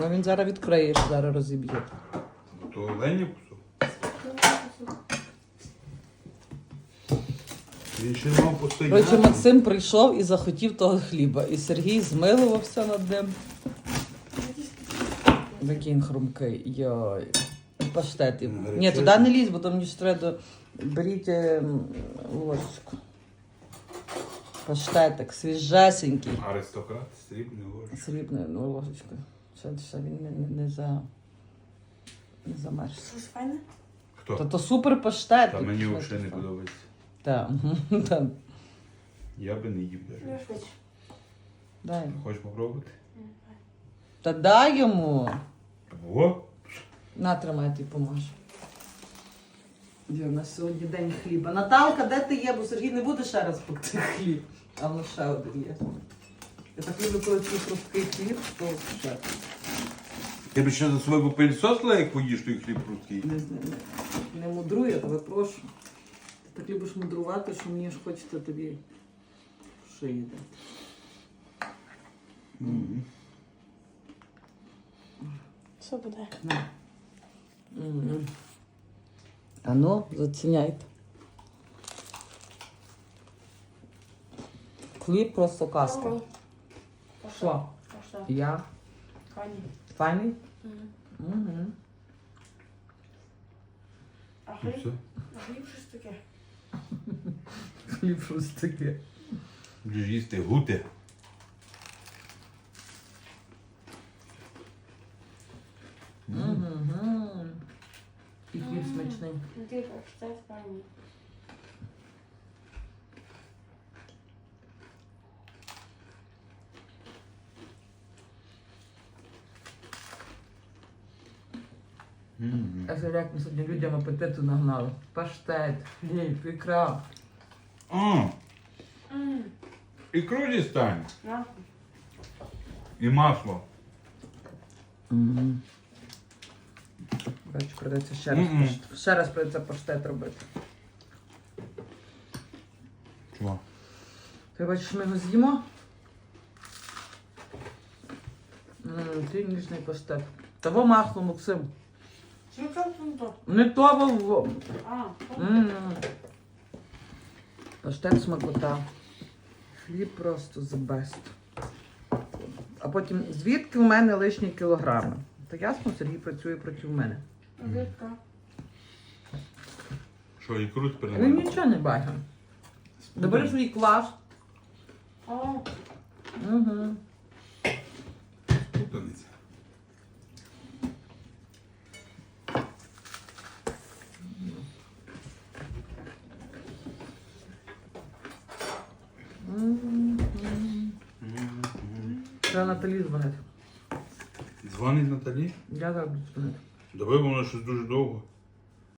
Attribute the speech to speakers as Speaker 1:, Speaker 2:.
Speaker 1: Ну він зараз відкриєш, зараз розіб'є.
Speaker 2: То оленя кусок. Він ще мав постояти.
Speaker 1: Коротше, Максим прийшов і захотів того хліба. І Сергій змилувався над ним. Такий він хрумкий. Йой. Паштет. Ні, туди не лізь, бо там мені ж треба. Беріть ложечку. Паштетик, свіжесенький.
Speaker 2: Аристократ, срібний ложка.
Speaker 1: Срібною ложечкою. Ще він не замерз.
Speaker 3: Щось файне?
Speaker 2: Хто?
Speaker 1: То супер паштет.
Speaker 2: Та мені взагалі не подобається.
Speaker 1: Так.
Speaker 2: Я би не їв
Speaker 3: Ну,
Speaker 2: навіть.
Speaker 3: швидше.
Speaker 1: Дай.
Speaker 2: Хочеш попробувати?
Speaker 1: Та дай йому.
Speaker 2: О!
Speaker 1: На, тримай, ти поможеш. У нас сьогодні день хліба. Наталка, де ти є? Бо Сергій не буде ще раз пекти хліб. А в нас ще один є. Я так люблю, коли такий хрусткий хліб, то ще.
Speaker 2: Ти б ще за собою попильсосила, як поїш той хліб прудкий?
Speaker 1: Не мудруй, я тебе прошу. Ти так любиш мудрувати, що мені ж хочеться тобі в шиї дати.
Speaker 3: Що буде?
Speaker 1: На. А ну, заціняйте. Хліб просто казка. Що?
Speaker 3: Що?
Speaker 1: Я?
Speaker 3: Файні.
Speaker 1: Файний?
Speaker 3: Угу.
Speaker 1: Угу.
Speaker 3: А
Speaker 2: Ну
Speaker 3: хліб?
Speaker 2: все.
Speaker 3: А хліб щось таке?
Speaker 1: Хліб щось таке.
Speaker 2: Будеш їсти гути.
Speaker 1: Угу. І хліб смачний.
Speaker 3: Ну ти це файні.
Speaker 1: А це як ми сьогодні людям апетиту нагнали. Паштет, хліб, ікра.
Speaker 2: А, ікру дістань.
Speaker 3: На.
Speaker 2: І масло.
Speaker 1: Угу. Коротше, придеться ще раз придеться паштет робити.
Speaker 2: Чого?
Speaker 1: Ти бачиш, ми його з'їмо? Ти ніжний паштет. Того масло, Максим.
Speaker 3: Що там то?
Speaker 1: Не того.
Speaker 3: А,
Speaker 1: Паштет смакота. Хліб просто the best. А потім, звідки в мене лишні кілограми? То ясно, Сергій працює проти мене.
Speaker 3: звідка?
Speaker 2: Що, ікру тепер не
Speaker 1: Він
Speaker 2: можна?
Speaker 1: нічого не бачив. Добери свій квас.
Speaker 3: О,
Speaker 1: Угу.
Speaker 2: Путаниця.
Speaker 1: Треба Наталі дзвонити.
Speaker 2: Дзвонить Наталі?
Speaker 1: Я зараз буду дзвонити.
Speaker 2: Давай, бо вона щось дуже довго.